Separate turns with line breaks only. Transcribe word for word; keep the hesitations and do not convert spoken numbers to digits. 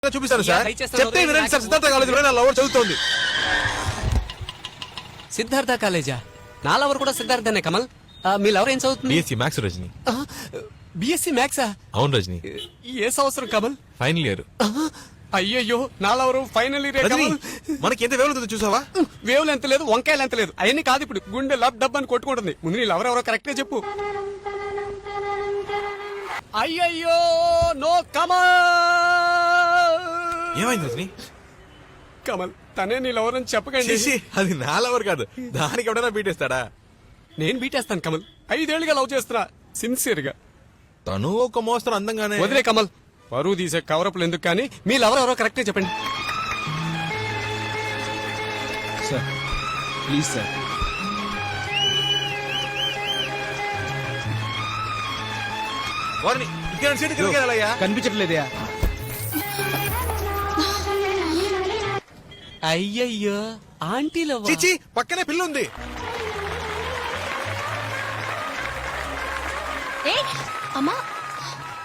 చూపిస్తాను సార్. చెప్తే వినండి సార్. సిద్ధార్థ కాలేజీలో నా లవర్ చదువుతోంది.
సిద్ధార్థ కాలేజా? నా లవర్ కూడా సిద్ధార్థనే. కమల్, మీ లవర్ ఏం చదువుతుంది?
BSc maths Rajani.
బిఎస్సీ మ్యాథ్సా?
అవును రజని.
ఏ సంవత్సరం కమల్?
Final year.
అయ్యయ్యో, నా లవరు ఫైనల్ ఇయర్.
మనకి ఎంత వేలు చూసావా?
వేవులు ఎంత లేదు, వంకాయలు ఎంత లేదు. అవన్నీ కాదు ఇప్పుడు. గుండె లబ్ డబ్ అని కొట్టుకుంటుంది. ముందు నీ లవర్ ఎవరో కరెక్టే చెప్పు. అయ్యయ్యో నో కమల్.
ఏమైంది రజని?
కమల్, తనే నీ లవర్ అని చెప్పకండి.
అది నా లవర్ కాదు. దానికి ఎవడైనా బీటేస్తాడా?
నేను బీటేస్తాను కమల్. ఐదేళ్లుగా లవ్ చేస్తున్నా సిన్సియర్ గా.
తను ఒక మోస్తరు అందంగానే.
వదిలే కమల్, పరువు తీసే కవరపులు ఎందుకు కానీ మీ లవర్ ఎవరో కరెక్టే చెప్పండి.
Sir please sir.
వారిని ఇక్కడ సీటు కిందకి వెళ్ళాలయ్యా.
కనిపించట్లేదయా?
అయ్యయ్యో, ఆంటీ లవ్.
చిచి, పక్కనే పిల్ల ఉంది.
ఏ అమ్మా